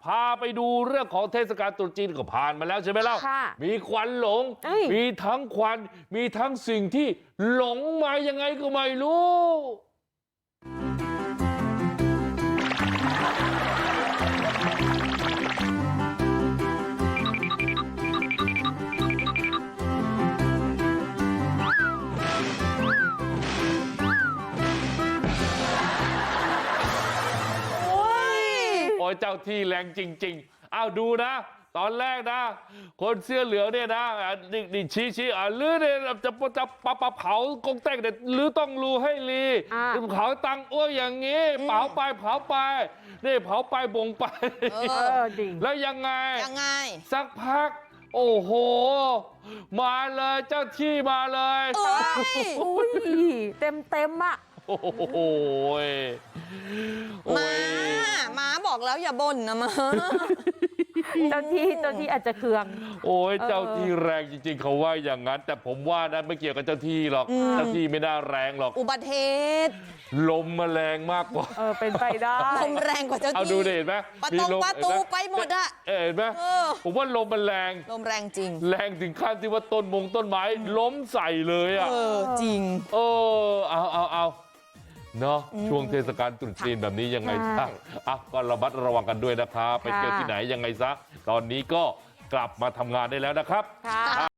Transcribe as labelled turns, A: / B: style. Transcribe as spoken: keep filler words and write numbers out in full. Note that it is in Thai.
A: พาไปดูเรื่องของเทศกาลตรุษจีนก็ผ่านมาแล้วใช่ไหมเล่ามีควันหลงมีทั้งควันมีทั้งสิ่งที่หลงมายังไงก็ไม่รู้โอ้ยเจ้าที่แรงจริงๆอ้าวดูนะตอนแรกนะคนเสื้อเหลืองเนี่ยนะนี่นี่ชี้ชี้อ่ะลือเนี่ยจะจะปะปะเผากงเต็กเนี่ยลือต้องรูให้ลีเผาตังอ้วอย่างงี้เผาไปเผาไปนี่เผาไปบ่งไปแล้วยังไง
B: ยังไง
A: สักพักโอ้โหมาเลยเจ้าที่มาเลย
C: เต็มเต็มอ่ะ
A: โอ้โห
B: มามาบอกแล้วอย่าบ่นนะมา
C: เจ้าที่เจ้าที่อาจจะเคือง
A: โอ้ยเจ้าที่แรงจริงๆเขาว่าอย่างนั้นแต่ผมว่านะไม่เกี่ยวกับเจ้าที่หรอกเจ้าที่ไม่น่าแรงหรอก
B: อุบัติเหตุ
A: ลมมาแรงมากกว่า
C: เออเป็นไปได้
B: ลมแรงกว่าเจ้าที่
A: เอาดูเห็นไหม
B: ประตูประตูไปหมดอะ
A: เห็นไหมผมว่าลมมันแรง
B: ลมแรงจริง
A: แรงถึงขั้นที่ว่าต้นมงต้นไม้ล้มใส่เลยอ่ะ
B: เออจริง
A: เออเอาเอาเอาเนาะช่วงเทศกาลตรุษจีนแบบนี้ยังไงซะอ่ะก็ระมัดระวังกันด้วยนะครับไปเที่ยวที่ไหนยังไงซะตอนนี้ก็กลับมาทำงานได้แล้วนะครับ